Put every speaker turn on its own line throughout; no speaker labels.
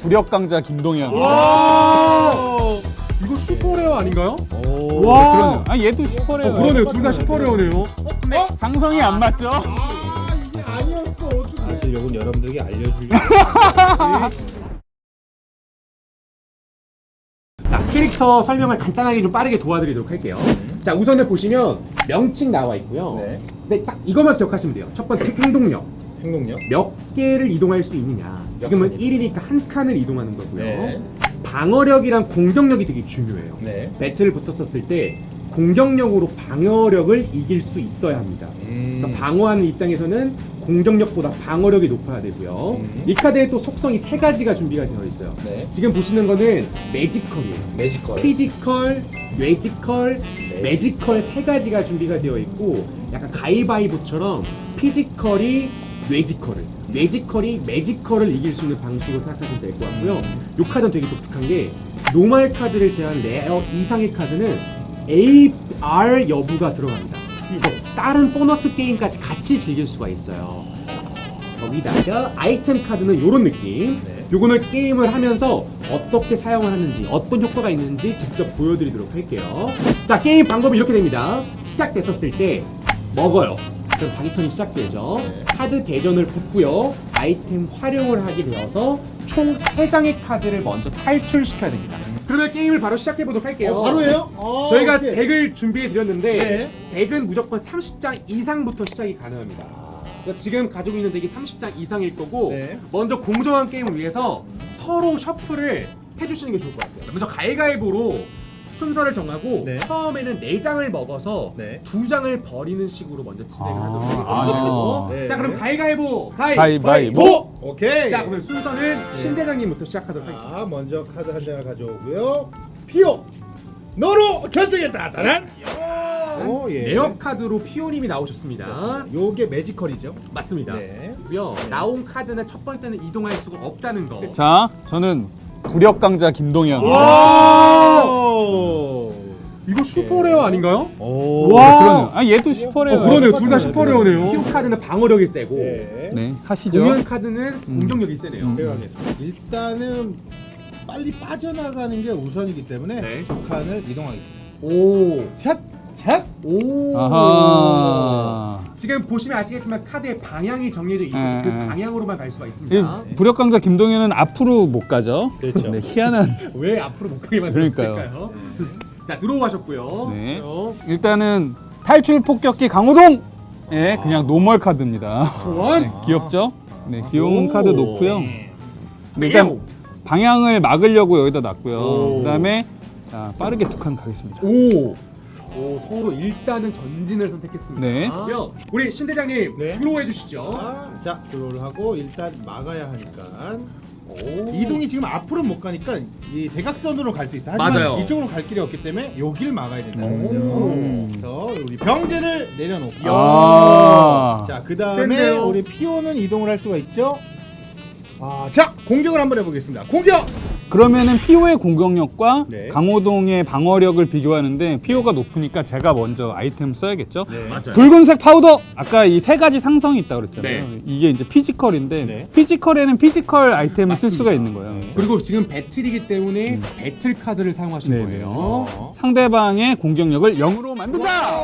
부력 강자 김동현.
와! 이거 슈퍼레어 아닌가요?
와, 그러네요. 아, 얘도 슈퍼레어.
그러네요. 둘 다 슈퍼레어네요.
상성이 안 맞죠?
아, 이게 아니었어. 어떻게?
사실 요건 여러분들에게 알려주려고.
자, 캐릭터 설명을 간단하게 좀 빠르게 도와드리도록 할게요. 자, 우선은 보시면 명칭 나와 있고요.
네.
근데 딱 이것만 기억하시면 돼요. 첫 번째 행동력.
행동력.
몇 개를 이동할 수 있느냐. 지금은
칸
1이니까 한 칸을 이동하는 거고요.
네.
방어력이랑 공격력이 되게 중요해요.
네.
배틀을 붙었었을 때 공격력으로 방어력을 이길 수 있어야 합니다. 그러니까 방어하는 입장에서는 공격력보다 방어력이 높아야 되고요. 이 카드에 또 속성이 3가지가 준비가 되어 있어요.
네.
지금 보시는 거는 매지컬이에요.
매지컬.
피지컬, 뇌지컬, 매지컬 3가지가 준비가 되어 있고 약간 가위바위보처럼 피지컬이 뇌지컬을, 뇌지컬이 매지컬을 이길 수 있는 방식으로 생각하시면 될 것 같고요. 이 카드는 되게 독특한 게 노멀 카드를 제한 레어 이상의 카드는 AR 여부가 들어갑니다. 다른 보너스 게임까지 같이 즐길 수가 있어요. 거기다가 아이템 카드는 이런 느낌.
네.
요거는 게임을 하면서 어떻게 사용을 하는지 어떤 효과가 있는지 직접 보여드리도록 할게요. 자, 게임 방법이 이렇게 됩니다. 시작됐었을 때 먹어요. 그럼 자기 턴이 시작되죠.
네.
카드 대전을 붙고요. 아이템 활용을 하게 되어서 총 3장의 카드를 먼저 탈출시켜야 됩니다. 그러면 게임을 바로 시작해보도록 할게요.
바로예요?
저희가 덱을 준비해 드렸는데
네.
덱은 무조건 30장 이상부터 시작이 가능합니다. 그러니까 지금 가지고 있는 덱이 30장 이상일 거고
네.
먼저 공정한 게임을 위해서 서로 셔플을 해주시는 게 좋을 것 같아요. 먼저 가위가위보로 순서를 정하고
네.
처음에는 4장을 먹어서
네.
2장을 버리는 식으로 먼저 진행을 하도록
아,
하겠습니다.
네.
자, 그럼 가위가위보
가위바위보.
오케이.
자, 그러면 순서는 신대장님부터 시작하도록 하겠습니다.
자, 먼저 카드 한 장을 가져오고요. 피오. 너로 결정했다. 따란. 오, 예.
레어 카드로 피오님이 나오셨습니다.
요게 매지컬이죠.
맞습니다.
네.
고요. 나온 카드는 첫 번째는 이동할 수가 없다는 거.
자, 저는 부력 강자 김동현.
와!
이거 슈퍼레어 아닌가요?
오.
그러네요. 아, 얘도 슈퍼레어.
그러네요. 둘 다
똑같아요.
슈퍼레어네요. 피오 카드는 방어력이 세고
네.
네, 하시죠.
공연 카드는 공격력이 세네요.
제가 하겠습니다. 일단은 빨리 빠져나가는 게 우선이기 때문에
네.
2칸을 이동하겠습니다.
오.
샷! 샷!
오.
아하.
지금 보시면 아시겠지만 카드의 방향이 정해져 있어서 그 방향으로만 갈 수가 있습니다.
이 부력 강자 김동현은 앞으로 못 가죠.
그렇죠.
네, 희한한.
왜 앞으로 못 가게
그러니까요.
만들었을까요? 자, 들어오셨고요.
네. 일단은 탈출 폭격기 강호동. 예, 그냥 노멀 카드입니다.
소원.
네, 귀엽죠? 네, 귀여운
오.
카드 놓고요. 네, 일단 방향을 막으려고 여기다 놨고요.
오.
그다음에 자, 빠르게 2칸 가겠습니다.
오. 오, 서로 일단은 전진을 선택했습니다.
네.
우리 신대장님
네.
들어해 주시죠.
자, 드로우를 하고 일단 막아야 하니까
오.
이동이 지금 앞으로 못 가니까 이 대각선으로 갈 수 있어. 하지만
맞아요.
이쪽으로 갈 길이 없기 때문에 여기를 막아야 된다는
오.
거죠. 그래서 우리 병제를 내려놓고
아.
자, 그 다음에
센데요.
우리 피오는 이동을 할 수가 있죠. 자, 공격을 한번 해보겠습니다. 공격!
그러면은 피오의 공격력과
네.
강호동의 방어력을 비교하는데 피오가 높으니까 제가 먼저 아이템 써야겠죠.
네.
맞아요.
붉은색 파우더! 아까 이 3가지 상성이 있다고 그랬잖아요.
네.
이게 이제 피지컬인데
네.
피지컬에는 피지컬 아이템을 쓸 수가 있는 거예요.
그리고 지금 배틀이기 때문에 배틀 카드를 사용하신
네,
거예요.
상대방의 공격력을 0으로 만든다!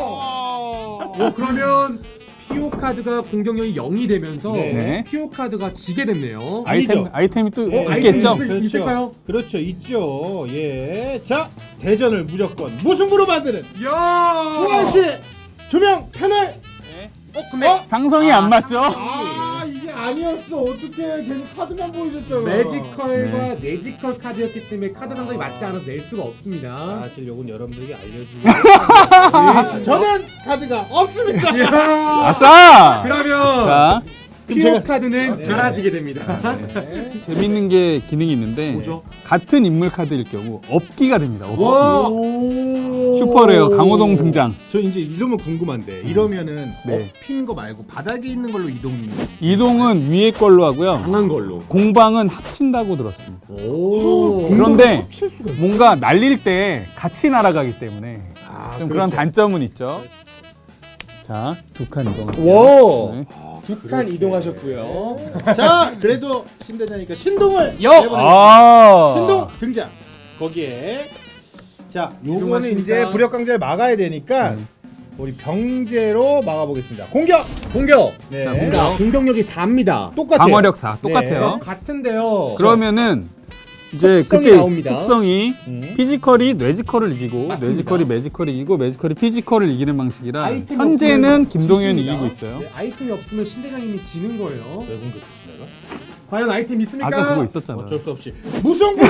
그러면 피오 카드가 공격력이 0이 되면서
네.
피오 카드가 지게 됐네요.
아이템이 또
네.
있겠죠?
아이템이 있을까요?
그렇죠, 있죠. 예. 자, 대전을 무조건 무승부로 만드는
야!
우한씨 조명 패널.
근데
상성이 안 맞죠?
이게 아니었어. 어떻게 걔는 카드만 보여줬잖아.
매지컬과 뇌지컬 카드였기 때문에 카드 상성이 맞지 않아서 낼 수가 없습니다.
사실 요건 여러분들에게 알려주고 저는 카드가 없습니다.
아싸!
그러면
자,
피오
제가-
카드는
네.
사라지게 됩니다.
재밌는 게 기능이 있는데
뭐죠?
같은 인물 카드일 경우 업기가 됩니다. 업기.
와!
슈퍼레어 강호동 등장.
저 이제 이러면 궁금한데 이러면은
네.
핀 거 말고 바닥에 있는 걸로
이동은 위에 걸로 하고요.
강한 걸로.
공방은 합친다고 들었습니다.
오.
그런데
합칠 수가 있어.
뭔가 날릴 때 같이 날아가기 때문에 좀 그런
그렇죠.
단점은 있죠. 자, 2칸 이동할게요.
와.
네.
북한 이동하셨고요.
자, 그래도 신대장이니까 신동을
여!
내보내겠습니다.
아.
신동 등장. 거기에 자, 요거는
이동하십니까?
이제 부력강자를 막아야 되니까 우리 병제로 막아보겠습니다. 공격.
공격!
네.
자, 공격.
자, 공격력이 4입니다.
똑같아요.
방어력 4 똑같아요.
네.
같은데요.
그러면 이제
속성이
그때
나옵니다.
속성이 피지컬이 뇌지컬을 이기고
맞습니다.
뇌지컬이 매지컬을 이기고 매지컬이 피지컬을 이기는 방식이라
아이템이
현재는
없으면
김동현이
지십니다.
이기고 있어요.
네, 아이템이 없으면 신대장님이 지는 거예요.
왜 공격했지 내가?
과연 아이템 있습니까?
아까 그거 있었잖아.
어쩔 수 없이 무승부.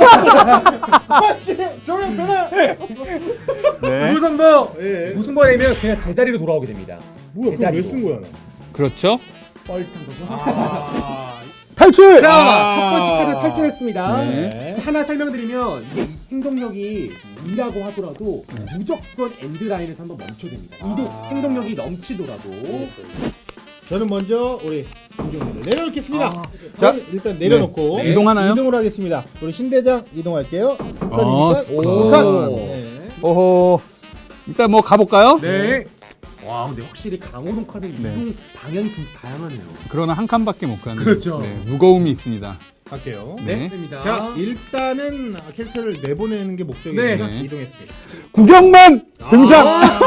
조명 변화.
네.
무승부!
예.
무승부가 되면 그냥 제자리로 돌아오게 됩니다.
뭐야? 그럼 왜 쓴 거야 나?
그렇죠.
뻘짓한 거죠.
아.
탈출!
자,
아.
첫 번째 카드 탈출했습니다.
네.
자, 하나 설명드리면 이게 행동력이 2라고 하더라도 무조건 엔드라인에서 한번 멈춰야 됩니다. 행동력이 넘치더라도.
저는 먼저 우리 김종민을 내려놓겠습니다.
아.
자, 일단 내려놓고
네. 이동하나요?
이동을 하겠습니다. 우리 신대장 이동할게요.
어,
북한.
오.
네.
오호. 일단 뭐 가볼까요?
네. 와, 근데 확실히 강호동 카드
네.
이동 방향이 진짜 다양하네요.
그러나 한 칸밖에 못 가는
그렇죠.
네, 무거움이 있습니다.
갈게요.
네.
됩니다.
자, 일단은 캐릭터를 내보내는 게 목적이니까
네.
이동했습니다.
구경만 등장.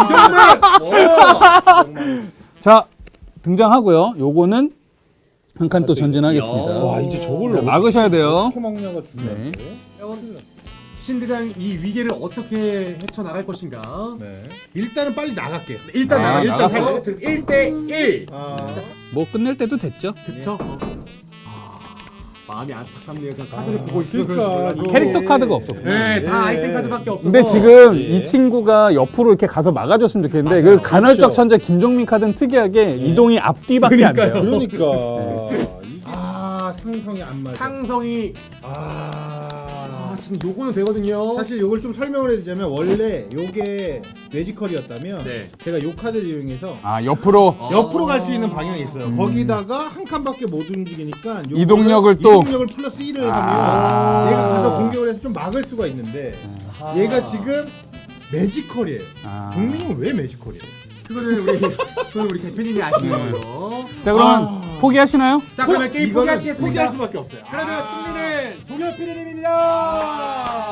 와,
자 등장하고요. 요거는 한 칸 또 전진하겠습니다.
와, 이제 저걸로
막으셔야 돼요.
어떻게 막냐가 중요해요.
신대장 이 위기를 어떻게 헤쳐나갈 것인가?
네. 일단은 빨리 나갈게요.
일단
아,
나가서
나갔어요?
지금 1대1.
아,
뭐 끝낼 때도 됐죠.
그쵸? 마음이 안타깝네요. 저 카드를 보고 있어서
그러니까
그런지 몰라도.
캐릭터 카드가 없었고.
네,
네.
다 아이템 카드밖에 없어서.
근데 지금
예.
이 친구가 옆으로 이렇게 가서 막아줬으면 좋겠는데
맞아요.
그 간헐적
그렇죠.
천재 김종민 카드는 특이하게 이동이 앞뒤밖에 안 돼요.
그러니까 아, 상성이 안 맞아.
상성이 지금 요거는 되거든요.
사실 요걸 좀 설명을 해드리자면 원래 요게 뇌지컬이었다면
네.
제가 요 카드를 이용해서
아 옆으로
옆으로 갈 수 있는 방향이 있어요. 거기다가 한 칸밖에 못 움직이니까 요거를
이동력을 또-
이동력을 플러스 1을 하면 얘가 가서 공격을 해서 좀 막을 수가 있는데 얘가 지금 매지컬이에요.
아.
종민이는 왜 매지컬이에요?
그거는 우리 대표님이 아시는 거예요.
자 그러면 포기하시나요?
자, 그러면 게임
이거는
포기하시겠습니다.
포기할 수밖에 없어요.
그러면 승리는 동현 PD님입니다.